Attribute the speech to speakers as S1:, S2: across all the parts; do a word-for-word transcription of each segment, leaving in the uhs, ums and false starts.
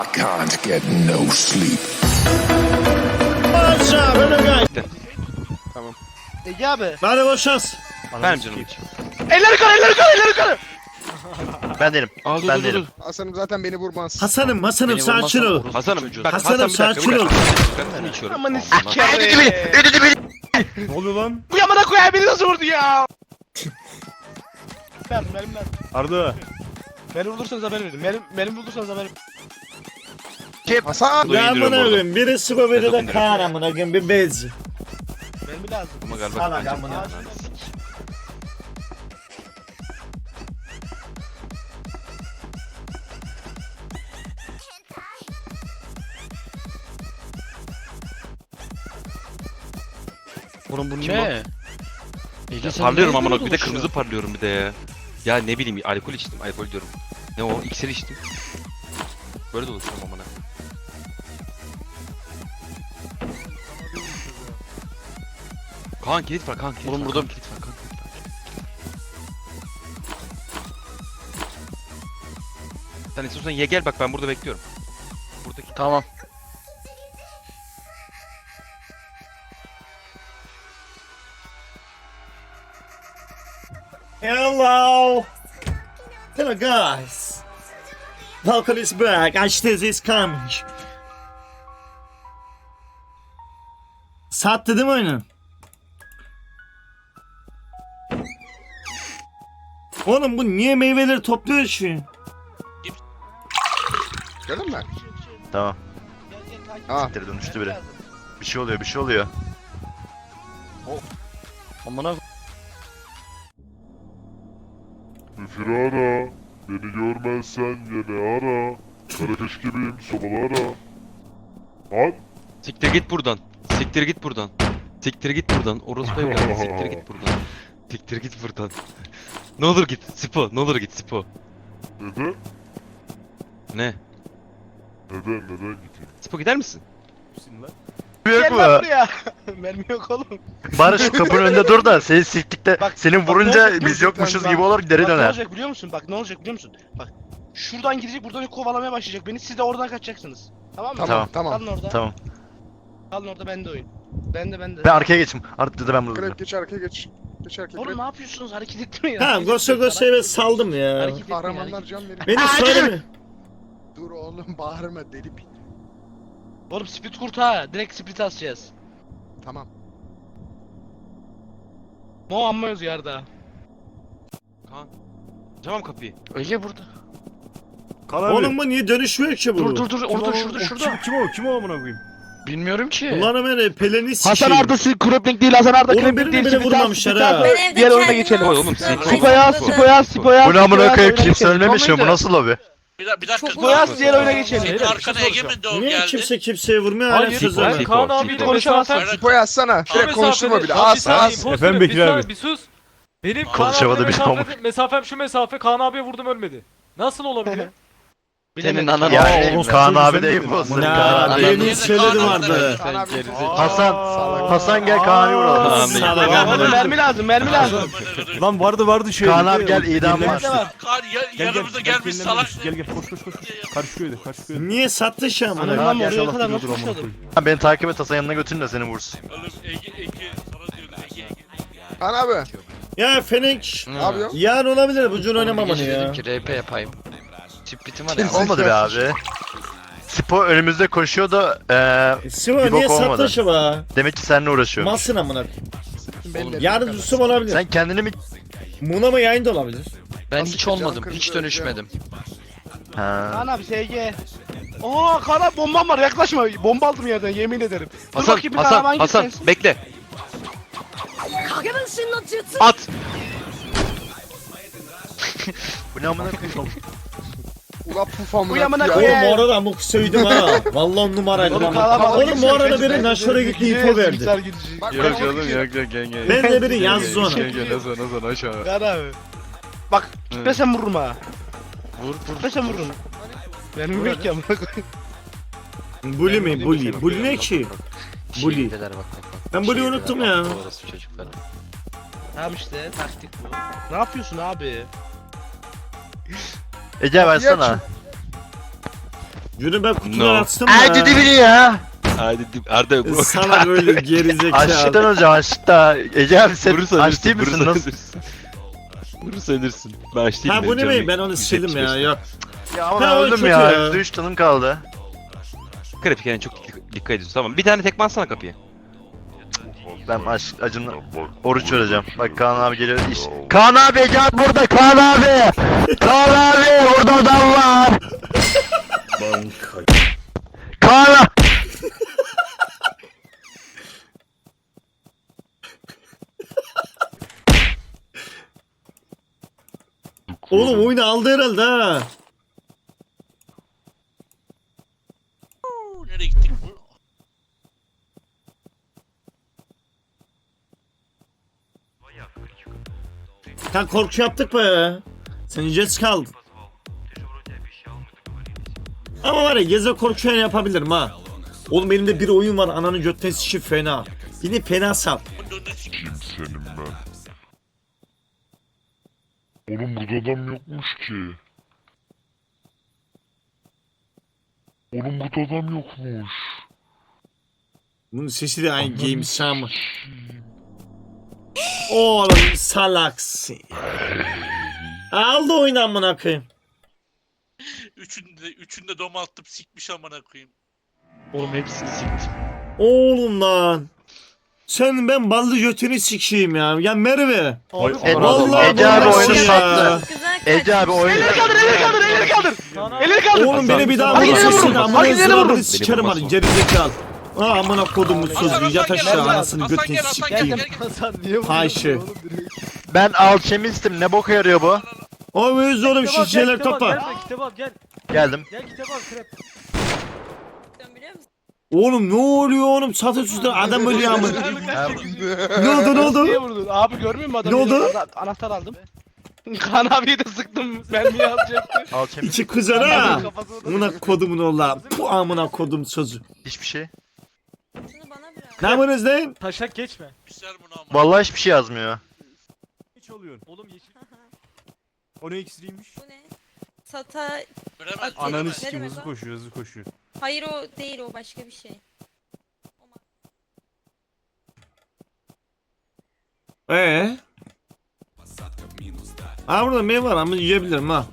S1: I can't get no sleep.
S2: Tamam.
S3: Ege abi.
S4: Hadi boş şans.
S5: Benim canım için.
S3: Elleri yukarı, elleri yukarı, elleri yukarı.
S5: Ben değilim.
S2: Aa, dur,
S5: Ben
S2: dur,
S5: değilim.
S2: dur. Hasan'ım zaten beni vurmaz.
S4: Hasan'ım Hasan'ım
S5: Beni
S4: sakin
S5: vurmazsan
S4: ol.
S5: vurursun
S6: Hasan'ım
S5: çocuğu.
S6: bak
S4: Hasan'ım,
S6: Hasan bir dakika
S4: sakin
S6: bir
S4: ol.
S6: dakika. Ben içiyorum.
S3: Aman
S6: Allah.
S3: sikeri.
S4: Ne oluyor lan?
S3: Bu yamana koyar beni nasıl vurdu ya? Verdim, benim verdim.
S4: Arda.
S3: Beni vurdursanız haber verin. Benim, benim vurdursanız haber verin.
S2: Hasan!
S6: Dur,
S4: Ya
S6: indiriyorum
S4: amına
S6: oradan.
S4: koyayım. Birisi bu biri de
S6: Ezok'un
S4: Kaan amına koyayım bir bez.
S3: Benim bir lazım.
S6: Ama galiba
S4: Salak
S6: bence-
S4: amına.
S5: Oğlum bu
S6: Kim
S5: ne?
S6: Ya parlıyorum amına bir de kırmızı parlıyorum bir de ya. Ya ne bileyim alkol içtim alkol diyorum. Ne o iksir içtim. Böyle dolaşıyorum amına. Kaan kilit var Kaan kilit
S5: Oğlum
S6: var,
S5: burada-
S6: Kaan, kilit var Kaan kilit var. Sen istiyorsan ye gel bak ben burada bekliyorum. Buradaki
S5: Tamam.
S4: Hello. Hello guys. Falcon is back. Ashes is coming. Sattı değil mi oyunu? Oğlum bu niye meyveleri topluyor şu?
S2: Gördün mü?
S5: Tamam.
S2: Aa.
S5: Siktir dönüştü biri. Bir şey oluyor bir şey oluyor. Amına
S7: Üfür ara, beni görmezsen yine ara. Karakeş gibiyim, sobalı ara. Lan!
S6: Siktir git buradan. Siktir git buradan. Siktir git buradan. Orospu evladı. Siktir git buradan. Siktir git buradan. Ne olur git. Sipo. Ne olur git Sipo.
S7: Neden?
S6: Ne?
S7: Neden, neden gideyim?
S6: Sipo gider misin?
S5: yok
S3: Gel
S5: mu?
S3: lan buraya. Mermi yok oğlum.
S5: Bari şu kapının önünde dur da seni siktikte
S3: Bak,
S5: senin
S3: bak, ne
S5: vurunca
S3: olacak
S5: biz
S3: biliyor
S5: yokmuşuz
S3: musun?
S5: gibi olur geri
S3: Bak ne
S5: döner.
S3: olacak biliyor musun? Bak ne olacak biliyor musun? Bak. Şuradan gidecek, buradan kovalamaya başlayacak beni. Siz de oradan kaçacaksınız. Tamam mı?
S2: Tamam, tamam.
S3: Kalın orada.
S5: Tamam.
S3: Kalın orada, bende oyun. Bende bende.
S5: Ben arkaya geçeyim. Arkada da ben burada
S2: Krep
S5: duracağım.
S2: geç arkaya geç. Geç arkaya
S3: Oğlum
S2: krep.
S3: ne yapıyorsunuz? Hareket etmeyin.
S4: Ha gosa gosa eve saldım ya.
S3: Hareket etmeyin.
S2: Kahramanlar
S3: hareket-
S2: can verir.
S4: Beni söyleme.
S2: Dur oğlum bağırma deli bir.
S3: Oğlum split kurt ha. Direkt split asacağız.
S2: Tamam.
S3: Mo amma yazıyor Arda.
S6: Kaan. Açamam kapıyı.
S5: Ege burada.
S4: Oğlum bu niye dönüşmüyor ki bu?
S5: Dur dur dur orada şurada şurada.
S4: Kim o? Kim o amına koyayım?
S5: Bilmiyorum ki.
S4: Ulan Ömer peleni sikeyim.
S3: Hasan Arda si- Krepling değil, Hasan Arda
S4: Oğlum
S3: Krepling
S4: birini
S3: değil.
S4: bile
S3: split as,
S4: vurmamışlar
S3: split
S4: ha.
S3: as.
S8: Ben evde
S3: Diğer oyuna
S8: kendim
S3: geçelim.
S6: Oy oğlum sipo.
S3: Sipoyaz, Sipoyaz, Sipoyaz.
S5: Bu ne amına
S3: Sipoyaz,
S5: koyayım
S3: oyuna
S5: kimse
S3: geçelim.
S5: ölmemiş ya bu
S3: Tamam
S5: nasıl lobi?
S9: Bir, da- bir dakika.
S8: Çok
S3: Sipoyaz diğer oyuna geçelim.
S9: Senin arkana Ege mi doğum
S4: Niye
S9: geldi?
S4: kimse kimseye vurmuyor hala
S6: Sipo,
S4: çözemem.
S6: Sipo,
S10: Kaan
S6: Sipo.
S10: abiyle
S3: Konuşamazsın.
S10: mesafe-
S2: Sipo yazsana.
S10: Şu
S2: Krep konuşturma
S10: mesafede-
S2: bile.
S10: Lan bir
S2: As
S10: saniye,
S2: as.
S10: boş
S4: Efendim
S10: ver,
S4: Bekir
S10: bir
S4: abi.
S10: saniye, Bir sus. Benim Kaan
S5: Konuşamadı
S10: abiyle
S5: bir tamam.
S10: mesafe, mesafem şu mesafe, Kaan abiye vurdum ölmedi. Nasıl olabilir?
S5: Senin ananı
S4: Ya,
S5: yani
S4: orospu
S5: Kaan
S4: çocuğu
S5: abi
S4: sen
S5: de
S4: mi?
S5: ayıp olsun.
S4: Ya,
S5: Kaan abi.
S4: benim
S9: Kaan
S4: söyledi
S9: abi-
S4: vardı.
S2: Kaan abi gerizekalı.
S5: Hasan, Hasan gel Kaan'ı vuralım.
S6: Kaan
S4: Salak
S6: Bey.
S3: Oğlum
S4: amına.
S3: mermi lazım, mermi lazım.
S4: Lan vardı vardı şey.
S5: Kaan abi gel idam var.
S3: Nerede var?
S9: Kar ya, yanımıza gelmiş salak.
S4: Gel gel koş koş koş. Karşı köyde karşı köyde. Niye sattı şu amına?
S3: Anam
S5: gel,
S3: oraya
S5: gel,
S3: kadar nasıl koşuyordum?
S5: Beni takip et Hasan yanına götürün de seni vursun.
S9: Oğlum Ege Ege sana diyorum Ege Ege.
S2: Kaan abi.
S4: Ya Fenix.
S2: Ne yapıyorsun?
S4: Yarın olabilir bu cür oynamamanı ya.
S5: R P yapayım. Çip bitim var ya. Olmadı be abi. Spo önümüzde koşuyor da eee
S4: Siva
S5: Bir
S4: niye
S5: bok olmadı.
S4: sattı şu be?
S5: demek ki seninle uğraşıyor.
S4: Masın amına.
S2: Belli.
S4: Yarın Yusuf olabilir.
S5: Sen kendini mi...
S4: Muna mı yayında olabilir?
S5: Ben
S2: Nasıl
S5: hiç
S2: kıracağım,
S5: olmadım,
S2: kıracağım,
S5: hiç
S2: kıracağım.
S5: dönüşmedim. Ha.
S3: Kaan abi S G. Aa Kaan abi bombam var, yaklaşma. Bomba aldım yerden, yemin ederim. Dur
S6: Hasan
S3: bakayım bir
S6: Hasan
S3: kahraman
S6: Hasan
S3: gitsin.
S6: bekle.
S8: 影分身の術
S6: At.
S5: Bu ne amına koyayım?
S2: Ula puf amına.
S3: Bu yamına
S2: ya.
S3: koyayım.
S4: Oğlum o arada amuk söyledim ha. Vallahi on numaraydı
S3: Oğlum
S4: lan.
S3: kahraman
S4: Oğlum
S3: gitsin,
S4: bu arada
S3: gitsin.
S4: biri Naşor'a gitti info verdi.
S2: Bak,
S6: Yok
S2: bak,
S6: oğlum
S2: bak,
S6: yok yok gel gel.
S4: Ben de biri yazdı ona.
S6: Hasan Hasan aşağı.
S3: Kaan abi. Bak gitmesem vururum ha. Vur vur. Gitmesem vururum. Benim yok ya.
S4: Bully mi? Bully. Bully ne ki? Bully. Ben Bully'yi unuttum ya.
S3: Tamam işte taktik bu. Ne yapıyorsun abi?
S5: Ece versene.
S4: Yürü ben kutudan
S6: No.
S4: açtım ya.
S5: Hadi dibini ya.
S6: Hadi dip Arda bu.
S4: Sana böyle gerizekalı.
S5: Açlıktan hocam açlıkta. Ece abi sen
S6: Vurursa
S5: aç değil
S6: ölürsün,
S5: misin?
S6: vurursa
S5: Nasıl?
S6: ölürsün. Vurursa ölürsün. Ben aç değilim.
S4: Ha bu
S6: benim
S4: ne
S6: canım
S4: be? Ben onu
S6: yüksek
S4: sildim ya.
S6: beşte.
S4: Yok.
S5: Ya ama
S4: Ha,
S5: ben
S4: o
S5: öldüm
S4: kötü
S5: ya.
S4: ya.
S5: yüzde üç canım kaldı.
S6: Grafik yani çok dik- dikkat ediyorsun. Tamam bir tane tekme atsana kapıya.
S5: Ben aç, acımla
S7: Ya bak,
S5: oruç
S7: böyle
S5: vereceğim.
S7: bir şey
S5: Bak
S7: yok.
S5: Kaan abi geliyor. İş.
S7: Ya.
S5: Kaan abi Ece abi burada. Kaan abi. Kaan abi burada adam var. Kaan abi.
S4: Oğlum oyunu aldı herhalde ha.
S9: Nereye gittik?
S4: Sen korku yaptık be. Sen jet kaldın. Ama var ya geze korku yani yapabilirim ha. Oğlum elimde bir oyun var ananın götten şi fena. Yine fena sap.
S7: Kim senin ben? Oğlum burada adam yokmuş ki. Oğlum burada adam yokmuş.
S4: Bunun sesi de aynı game sam. Oğlum salaksın. Aldı oyunu amına koyayım.
S9: Üçünde, üçünde doma attım sikmiş amına koyayım.
S3: Oğlum hepsini siktim.
S4: Oğlum lan. Sen ben ballı götünü sikeyim ya. Ya Merve.
S10: Abi,
S5: E,
S4: Vallahi
S5: Ece abi
S4: bu
S5: oyunu
S4: nasıl
S5: sattı.
S8: Güzel
S5: Ece abi oyunu
S3: Elleri kaldır, elleri kaldır, elleri kaldır.
S10: Kaan abi.
S3: Elleri kaldır.
S4: Oğlum beni bir daha
S3: Bak,
S4: vurursun
S3: ileri
S4: seni
S3: vurun.
S4: amına
S3: Bak, ileri vurun.
S4: zıvarını sikerim
S6: Beni
S4: hadi gerizekalı. Aa amına kodumun
S9: Hasan,
S4: sözü yat
S9: Hasan,
S4: aşağı
S9: gel,
S4: anasını
S9: Hasan,
S4: götünü
S9: gel, Hasan, gel,
S4: sikeyim.
S9: gel, gel.
S2: Hasan niye vuruyorsun
S4: Ayşe.
S2: oğlum direkt?
S5: Ben alçemistim. Ne boka yarıyor bu?
S4: O böyle oğlum
S10: Kitap al,
S4: şişeler
S10: gel, kitap al,
S4: kapa.
S10: gel, Kitap al gel.
S5: Geldim.
S10: Gel kitap al krep.
S8: biliyor musun?
S4: Oğlum ne oluyor oğlum satışçıda adam ölüyor amına. Ne oldu ne
S3: Niye
S4: oldu?
S3: vurdun? Abi görmüyor musun adamı?
S4: Ne oldu?
S3: Ana- Anahtar aldım. Kaan abiye de sıktım. Mermiyi alacaktı.
S5: Alçemis.
S4: İçi kızar ha.
S3: Kafasına da-
S4: Amına kodumun oğla. Bu amına kodum sözü.
S5: Hiçbir şey.
S8: Şunu bana bırak.
S4: Ne yapıyorsunuz lan?
S10: Taşak geçme.
S9: Güzel bunu ama.
S5: Vallahi hiçbir şey yazmıyor.
S10: Oğlum yeşil.
S11: O ne ekstriymiş?
S8: Bu ne? Sata...
S9: Göremez.
S8: Ananı
S11: Ananı
S8: Ne
S11: sikim
S8: demek
S11: hızlı
S8: o?
S11: koşuyor hızlı koşuyor.
S8: Hayır o değil o başka bir şey.
S4: Ee? Aa burada meyve var ama yiyebilirim ha.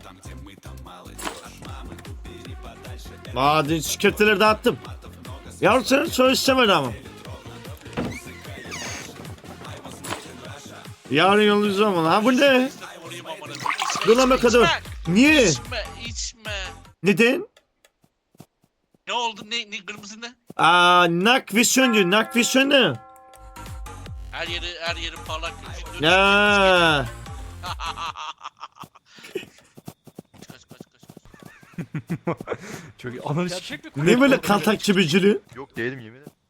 S4: Aa dün köfteleri dağıttım. Yavrum senin soy istemedi ama. Yarın yolunuz zaman. Ha bu ne?
S9: Vurayım amına koyayım.
S4: Dur lan be kadın. Niye?
S9: İçme, içme.
S4: Neden?
S9: Ne oldu? Ne, ne kırmızı ne?
S4: Aa nak visyon diyor. Nak visyon ne?
S9: Her yeri, her yeri parlak gözüküyor.
S4: Ya.
S9: Kaç kaç kaç kaç.
S11: Çok iyi. Ananı sikim.
S10: Gerçek mi?
S4: Ne böyle kaltak çibicili?
S5: Yok değilim yemin ederim.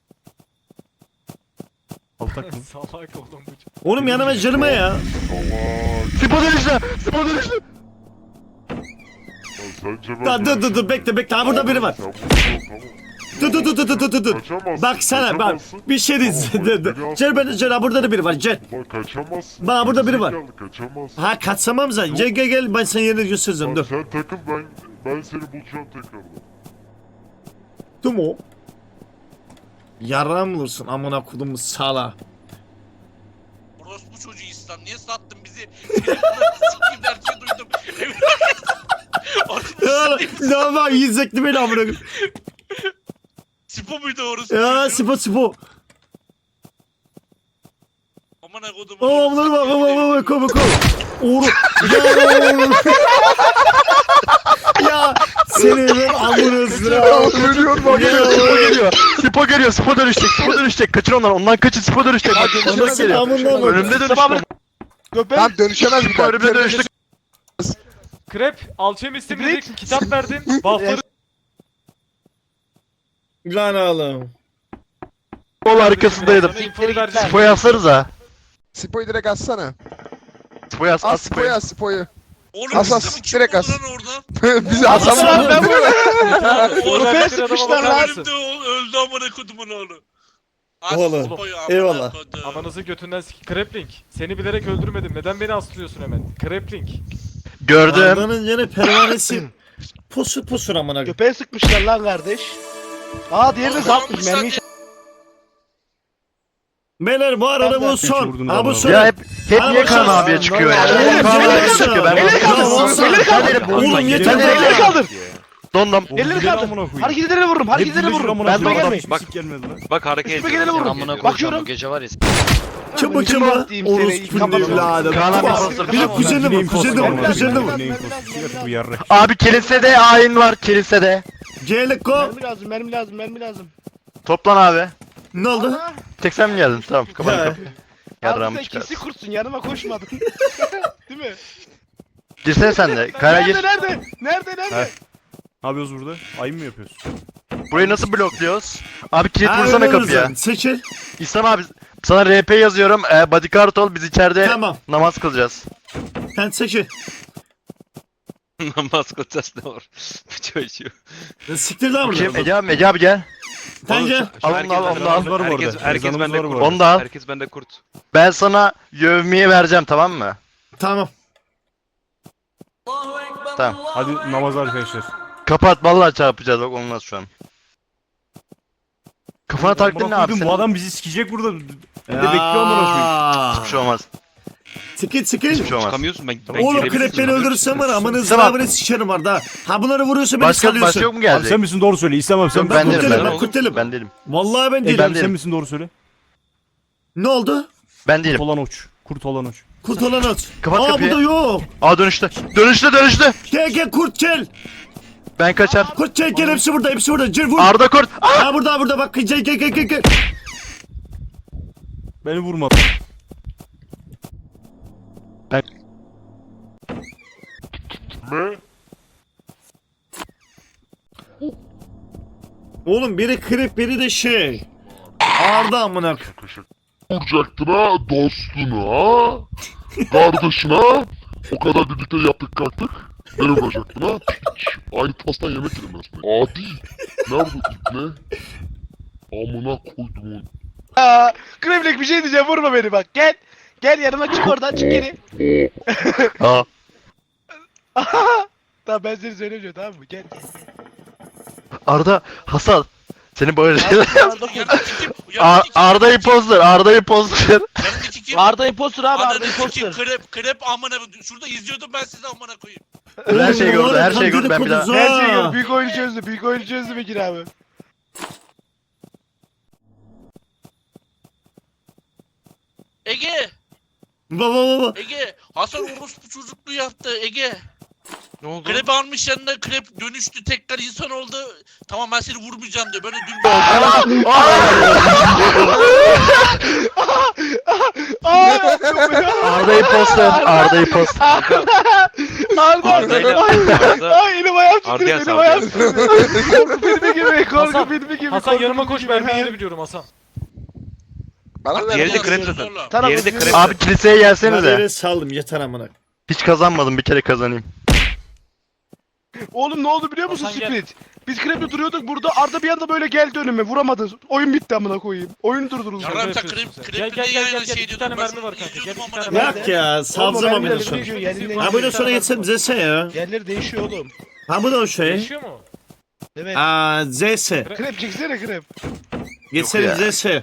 S11: Altak mı?
S10: Salak oğlum bu.
S4: Oğlum yanıma cırma ya.
S7: Allah.
S5: Spo dönüşle! Spo dönüşle!
S7: Ya sence ben...
S4: Dur dur dur dur bekle bekle. Ha burada biri var.
S7: Sen vurursun, tamam.
S4: Dur dur dur dur dur dur dur.
S7: Kaçamazsın,
S4: Bak sana bak.
S7: kaçamazsın.
S4: Bir şey
S7: Tamam,
S4: diyeceğim.
S7: bak,
S4: Dur, dur.
S7: biri
S4: Gel beni gel. Ha burada da biri var. Gel.
S7: Bak kaçamazsın.
S4: Bak, burada biri var.
S7: Gerizekalı, Kaçamazsın.
S4: Ha kaçamam zaten. Gel gel gel. Ben sana yerini göstereceğim.
S7: Bak
S4: Dur.
S7: sen takıl ben ben seni bulacağım tekrardan.
S4: Dur mu? Yaram bulursun amına kodumun sala.
S9: Orospu çocuğu İslam. Niye sattın bizi? Senin bunları sikeyim derken duydum. Orospu
S4: Ya ne var yiyecekti beni amına koyayım.
S9: Spo muydu orospu
S4: Ya
S9: çocuğu?
S4: sipo sipo.
S9: Amına kodum.
S4: Aa bunlar bak bak bak bak koy koy. Uğur. Ya oğlum. Ya seni ben amına sıra.
S5: Ölüyorum bak geliyor. Spo geliyor. Spo geliyor. Spo dönüşecek. Spo dönüşecek. Kaçın onları. Ondan kaçın. Spo dönüşecek. Bak ondan
S4: Anasını
S5: geliyor.
S4: amına bak.
S5: Önümde dönüştü.
S2: Lan dönüşemez bir
S5: Spo
S2: daha.
S5: önümde dönüştü.
S10: Krep, alçemistim dedik, kitap verdim, buffları
S4: Lan oğlum.
S5: Sol arkasındaydım.
S10: sana infoyu vereceğim.
S5: Spo yazsanıza.
S2: Spoyu direkt atsana.
S5: Spo yaz.
S2: As
S5: At
S2: spoyu
S5: Spo'yu.
S2: as spoyu.
S9: Oğlum
S2: As, as,
S9: İslam'ı kim
S2: direkt
S9: buldu
S2: as.
S9: lan orada?
S2: Bizi asamam ben bunu.
S9: Oğlum
S10: Oraya
S9: ben
S10: bir adama
S9: sıkmışlar
S10: bakar
S9: lan.
S10: mısın?
S9: Öldü, öldü amına kodumun oğlu. As
S4: Oğlum,
S9: Spo'yu amına
S4: eyvallah.
S9: kodum.
S10: Ananızı götünden sik. Krepling, seni bilerek öldürmedim. Neden beni aslıyorsun hemen? Krepling.
S5: Gördüm.
S4: Arda'nın yine pervanesi. Pusur pusur amına.
S3: Köpeğe sıkmışlar lan kardeş. Aa diğerini
S9: Oğlum,
S3: zapmış
S9: sen
S3: mermiyi.
S9: de-
S4: Beyler bu arada bu son.
S11: vurdun
S4: Ha bu
S11: adamı.
S4: son.
S5: Ya hep hep
S4: Abi
S5: niye
S4: sen-
S5: Kaan abiye çıkıyor ya?
S4: Oğlum,
S5: Hep Kaan
S4: gel
S5: abiye
S4: sen.
S5: çıkıyor. Ben
S4: Elini
S5: bunu
S4: kaldır,
S5: Oğlum,
S4: elini kaldır.
S5: hadi.
S4: Oğlum yeter
S5: Hadi.
S4: be.
S3: Elleri kaldır.
S5: Dondum.
S3: Elleri kaldır. Hareketleri vururum. Hareketleri vururum.
S11: Ben
S3: Üstüme gelmeyin.
S11: Bak. Gelmedi lan.
S6: Bak hareket
S3: Üstüme
S6: ediyor.
S3: geleni vururum.
S6: Amına
S3: Bakıyorum.
S6: gece var ya.
S4: Çıma çıma. Orospunun evladı.
S5: Kaan abi
S4: Bak,
S5: imposter.
S4: Bir de kuzenim var, kuzenim var, kuzenim var.
S11: Bu yarrak.
S5: Abi kilisede ayin var kilisede.
S4: Geliko.
S3: Mermi lazım, mermi lazım, mermi lazım.
S5: Toplan abi.
S4: Ne oldu?
S5: Tek sen mi geldin? Tamam kapat
S4: He.
S5: kapıyı.
S3: Abi
S5: Yarrağımı
S3: sen
S5: çıkar.
S3: kesi kursun yanıma koşmadın. Değil mi?
S5: Girsene sen de. Kayra gir.
S3: Nerede nerede? Nerede nerede?
S11: Ne yapıyoruz burada? Ayın mı yapıyoruz?
S5: Burayı nasıl blokluyoruz? Abi kilit
S4: Ha,
S5: vursana
S4: öyle
S5: kapıya.
S4: sen. Seçil.
S5: İhsan abi sana R P yazıyorum. Ee, bodyguard ol biz içeride
S4: Tamam.
S5: namaz kılacağız.
S4: Sen seçil.
S6: Namaz kılacağız ne var? Bu çocuğu.
S4: Siktir lan
S5: Kim?
S4: buradan.
S5: Ege abi, Ege abi gel.
S4: Sen gel.
S5: Al onu al, onu al.
S11: Var bu
S6: Herkes,
S11: arada.
S6: herkes
S11: Ezanımız
S6: bende
S11: var bu
S6: kurt.
S11: arada.
S5: Onu da al.
S6: Herkes bende kurt.
S5: Ben sana yevmiye vereceğim tamam mı?
S4: Tamam.
S5: Tamam.
S11: Hadi namaz arkadaşlar.
S5: Kapat vallahi çarpacağız bak olmaz şu an. Kafana taktın ne abi
S11: Bu
S5: senin?
S11: adam bizi sikecek burada. Bir de bekliyor amına koyayım.
S5: Hiçbir şey olmaz.
S4: Sıkın sıkın.
S5: Hiçbir şey olmaz.
S6: Çıkamıyorsun ben. ben
S4: Oğlum
S6: girebilirim.
S4: krep beni öldürürsen var amanızı
S5: Tamam.
S4: abone sikerim var da. Ha bunları vuruyorsun beni
S5: Başka, başka
S4: salıyorsun.
S5: yok mu
S11: Abi
S5: gelecek?
S11: sen misin doğru söyle. İslam abi sen
S5: Yok,
S11: misin?
S5: ben
S4: Ben
S5: değilim
S4: kurtelim
S5: ben.
S4: ben kurtelim.
S5: Ben değilim.
S4: Vallahi ben
S5: E,
S4: değilim.
S5: ben
S11: Sen
S5: değilim.
S11: misin doğru söyle.
S4: Ne oldu?
S5: Ben değilim.
S11: Kurt olan uç. Kurt olan uç.
S4: Kurt olan at.
S5: Kapat
S4: Aa
S5: kapıyı.
S4: bu da yok.
S5: Aa dönüştü. Dönüştü dönüştü.
S4: Gel gel kurt gel.
S5: Ben kaçar.
S4: Kurt gel gel hepsi burada hepsi burada. Cır vur.
S5: Arda kurt. Aa!
S4: Ha burada burada bak gel gel gel gel. gel.
S11: Beni vurma.
S7: Ne?
S4: Oğlum biri krep biri de şey. Arda amına.
S7: Vuracaktın ha dostuna, kardeşine. O kadar birlikte yaptık kalktık. Beni vuracaktın ha. Piç. Aynı pastan yemek yedim ben sana. Adi. Nerede ne? Amına koydum onu.
S3: Aa, Kremlik bir şey diyeceğim vurma beni bak gel. Gel yanıma çık oradan çık geri.
S5: Aa.
S3: Tamam ben seni söylemiyorum tamam mı? Gel.
S5: Arda Hasan. Seni böyle şeyler
S3: Arda,
S9: Yanındaki kim?
S5: Ar
S9: Yanındaki kim?
S5: Arda imposter. Arda imposter.
S9: Yanındaki kim?
S3: Arda impostor abi Arda
S9: Anladaki kim?
S3: impostor.
S9: Krep, krep amına. Şurada izliyordum ben sizi amına koyayım.
S5: Her şeyi
S4: Oğlum,
S5: gördü, her
S4: tam
S5: şeyi gördü. Ben bir daha...
S4: dedikodusu
S3: Her
S4: ha.
S3: şeyi gör. Büyük oyunu çözdü. Büyük oyunu çözdü Bekir abi.
S9: Ege,
S4: Baba baba.
S9: Ege. Hasan orospu çocukluğu yaptı Ege.
S6: Ne oldu?
S9: Krep almış yanına krep dönüştü tekrar insan oldu. Tamam ben seni vurmayacağım diyor. Böyle dün
S5: Arda imposter. Arda imposter.
S3: Arda
S6: Arda'yla-
S3: Arda.
S6: Arda-
S3: Ay elim ayağım
S6: Arda'ya
S3: titriyor elim ayağım
S6: saldırıyor.
S3: titriyor. Korku filmi gibi korku
S10: Hasan,
S3: filmi gibi.
S10: Hasan
S3: korku
S10: yanıma
S3: filmi
S10: koş
S3: gibi.
S10: ben bir yeri biliyorum Hasan.
S2: Bana ver.
S6: Diğeri de
S2: lan.
S6: krep zaten.
S3: Tamam,
S6: Diğeri de
S3: bu-
S6: krep.
S5: Abi kiliseye
S4: Ben
S5: gelsenize.
S4: yere saldım yeter amına.
S5: Hiç kazanmadım bir kere kazanayım.
S3: Oğlum ne oldu biliyor musun
S10: Hasan gel.
S3: Split? Biz kreple duruyorduk burada Arda bir anda böyle geldi önüme vuramadı. Oyun bitti amına koyayım. Oyun durduruldu.
S9: Yarram sen
S10: yapıyorsun
S9: krep,
S10: sen.
S9: krep
S10: Gel, gel,
S9: niye
S10: gel,
S9: yayına
S10: gel, gel.
S9: şey
S10: İki
S9: diyordun,
S10: tane
S9: ben
S10: mermi var
S9: sana
S10: kanka. Gel,
S9: izliyordum
S10: iki
S9: amına
S10: tane
S9: koyayım.
S4: Yok ya salacağım
S3: Oğlum,
S4: amına
S3: yerleri
S4: sonra.
S3: değişiyor, yerleri
S4: Ha bunu sonra
S3: değişiyor.
S4: geçsem Z S ya.
S3: Yerleri değişiyor oğlum.
S4: Ha bu da o şey.
S10: Yaşıyor mu?
S3: Evet.
S4: Aa Z S.
S3: Krep çeksene krep.
S4: Geçelim
S5: ya.
S4: Z S.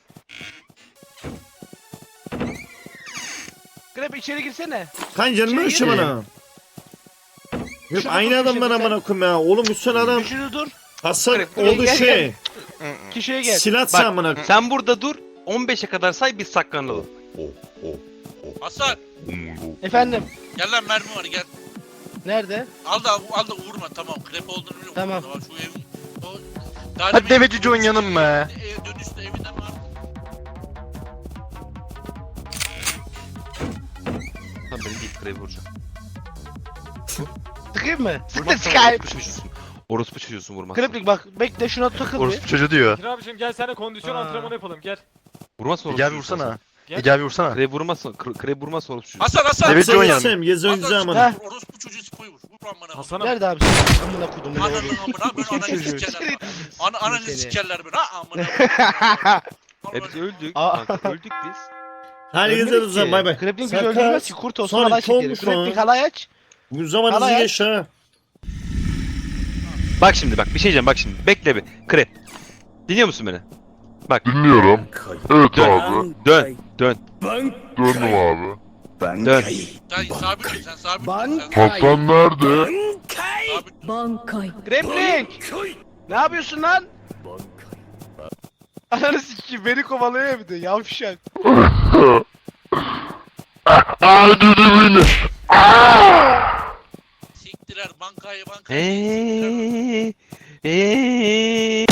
S3: Krep içeri girsene.
S4: Kan canım
S3: Şey,
S4: ölçü
S5: yedi.
S4: bana. Yok
S3: Şunu
S4: aynı
S3: dur,
S4: adam
S3: bir
S4: bana
S3: şey
S4: amına koyayım ya. Oğlum üstten adam.
S3: Düşünü dur.
S4: Hasan
S3: Buraya
S4: oldu
S3: gel,
S4: şey.
S3: Kişiye gel.
S4: Silah
S6: Bak.
S4: sen amına.
S6: Sen burada dur. on beşe kadar say biz saklanalım.
S9: Hasan
S3: Efendim.
S9: gel lan mermi var gel.
S3: Nerede?
S9: Al da al da vurma tamam krep olduğunu biliyorum.
S3: Tamam.
S9: Şu ev, o, daha
S5: Hadi
S9: demin-
S5: deveci John yanım be.
S9: Ev dönüşte evinden var.
S6: Tamam benim değil krebi vuracağım.
S3: Sıkayım mı? Sık da
S6: Vurmazsan
S3: sıkayım.
S6: orospu çocuğusun. Orospu çocuğusun vurmaz.
S3: Kreplik bak bekle şuna takıl bir.
S5: Orospu çocuğu diyor.
S10: Bekir abicim gel seninle kondisyon
S3: Ha.
S10: antrenmanı yapalım gel.
S6: Vurmazsan
S5: Ege abi
S6: orospu
S5: vursana.
S10: Gel.
S5: Ege abi vursana.
S6: Krebi vurmazsan, kre- krebi vurmazsan orospu çocuğusun.
S9: Hasan Hasan.
S5: Evet,
S4: Sen
S5: John yanım.
S4: geçsem gezi
S9: Hasan,
S4: oyuncu amına.
S3: Ha.
S9: Orospu çocuğu spoyu vur. Vur amına.
S10: Hasan'ım.
S3: Nerede abi? Amına kodum.
S9: Ananın amına ben ananı
S3: Çocuğu.
S9: sikerler. Ana ananı
S3: Seni.
S9: sikerler ben. Ha amına.
S6: Hepsi öldük.
S3: Aa.
S6: Kanka, öldük biz.
S4: Hadi geziyoruz o zaman bay bay.
S3: Kreplik bizi
S4: Sakar.
S3: öldürmez ki kurt olsun
S4: Sonra
S3: halay çekeriz.
S4: kovmuş lan.
S3: Kreplik halay aç.
S4: Bu zaman hızlı
S3: Alay.
S4: geç ha.
S6: Bak şimdi bak bir şey diyeceğim bak şimdi. Bekle bir. Kre. Dinliyor musun beni?
S7: Dinliyorum. Evet
S6: Dön.
S7: abi.
S6: Dön. Dön.
S7: Döndüm abi.
S6: Dön.
S9: Sen sabit dur sen sabit dur sen.
S7: Hasan nerede?
S9: Sabit
S3: Grappling! Ne yapıyorsun lan? Ananı sikeyim beni kovalıyor bir de yavşak.
S7: Aa dedi beni.
S9: siktiler bankayı bankayı.
S6: Eee. Eee.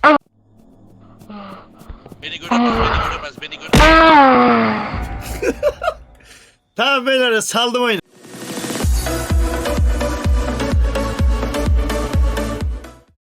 S9: Beni göremez beni göremez beni göremez.
S4: Tamam beyler saldım oyunu.